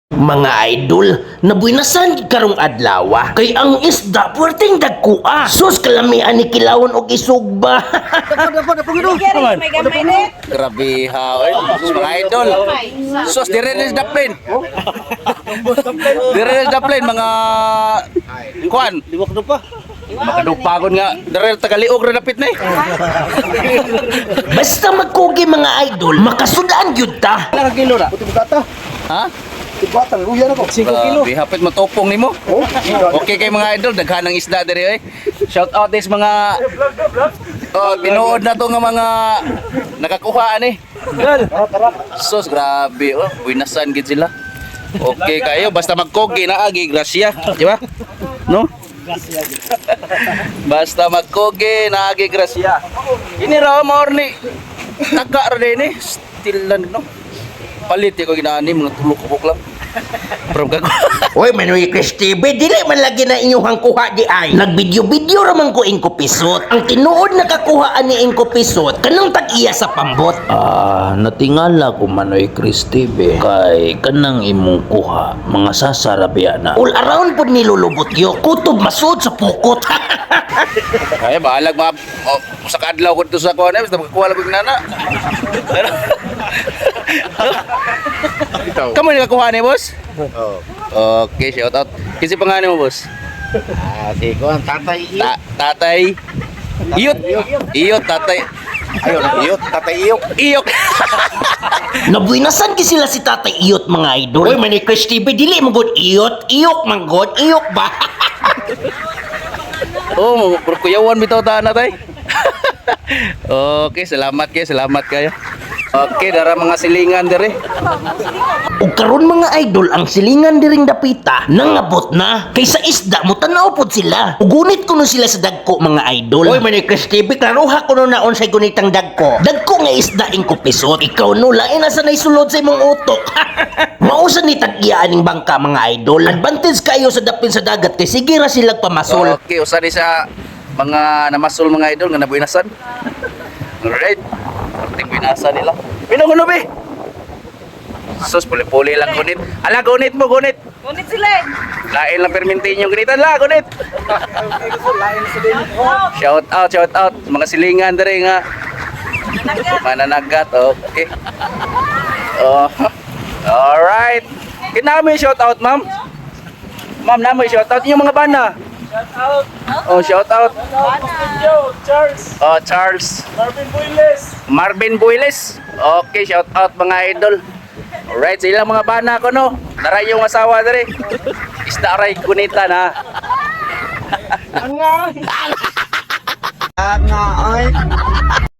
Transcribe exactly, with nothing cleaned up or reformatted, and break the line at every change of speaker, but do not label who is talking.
Mga idol, nabuinasan karong adlaw kay ang isda puwerteng dagkua. Sus kalamian ni kilawon og isugba.
Grabe ha, oy. Sus, mga idol. Sus, dire is the plane. Dire is the plane, mga kuan.
Liwak na pa.
Makadupagon nga. Dire tagaliog ra dapit na eh.
Basta magkugi mga idol, makasudaan gyud ta.
Ilang kilo na? Puti bugata.
Ha?
Tibatan, luya na ko. cinco kilo.
Grabe, hapit matopong nimo.
Oh,
Okay kay mga idol, daghan ng isda dire eh. Shout out this mga Oh, tinuod na to nga mga nakakuhaan eh. Sus, grabe oh, buinasan gid sila. Okay kayo, basta magkogi na agi, grasya, di ba? No? Basta magkogi na agi, grasya. Ini raw morni. Taga ra din eh. Still lang no. Palit ko ginani mga tulo kubok lang. From gago.
Oy, Manoy Chris T V, dili man lagi na inyong kuha di ay. Nagbidyo-bidyo raman ko ingko pisot. Ang tinuod nakakuhaan ni ingko pisot, kanang tag-iya sa pambot.
Ah, natingala ko Manoy Chris T V kay kanang imong kuha mga sasarabya na.
All around po nilulubot yo, kutob masud sa pukot.
Ay bahalag mga oh, sa kadlaw ko dito sa kuha na basta magkuha lang ko nana. Kamu ni kakuha ni boss?
Oh.
Okay, shout out. Kasi pangalan mo boss?
Ah, si Kuan, tatay iyo.
Ta tatay Iyot. Iyot tatay.
Ayun, iyot, tatay iyok.
Iyok.
Nabuinasan ki sila si Tatay Iyot mga idol. Oy, Manoy Chris T V, dili mo gud iyot, iyok man gud, iyok ba?
Oh, kuyawan bitaw ta na tay. Okay, salamat kayo, salamat kayo. Okay, dara mga silingan dire.
Ug karon mga idol, ang silingan diring dapita nangabot na. Kaysa isda mo tanaw pod sila. Ugunit ko no sila sa dagko mga idol. Oy, Manoy Chris T V, klaruha ko no naon sa gunitang dagko. Dagko nga isda ing kupisot. Ikaw no lain na sa naisulod sa imong utok. Mausa ni tag-iya aning bangka mga idol. Advantage kayo sa dapin sa dagat kay sige ra sila pamasol.
Okay, usa ni sa mga namasol mga idol nga nabuinasan. Alright. Parting binasa nila. Pinuhuno be. Sus, puli-puli lang gunit. Ala, gunit mo, gunit.
Ngunit sila eh.
Lain lang permintin yung gunitan la, gunit. Shout out, shout out. Mga silingan dere nga. Mananagat, okay. Oh. Alright. Kinamo yung shout out, ma'am. Ma'am, namo yung shout out yung mga bana. Oh, shout out.
Charles.
Oh, Charles.
Marvin Builes.
Marvin Builes. Okay, shout out mga idol. Alright, sila mga bana ko no. Daray yung asawa dere. Isda ray kunita na.
Ang nga. Ang nga ay.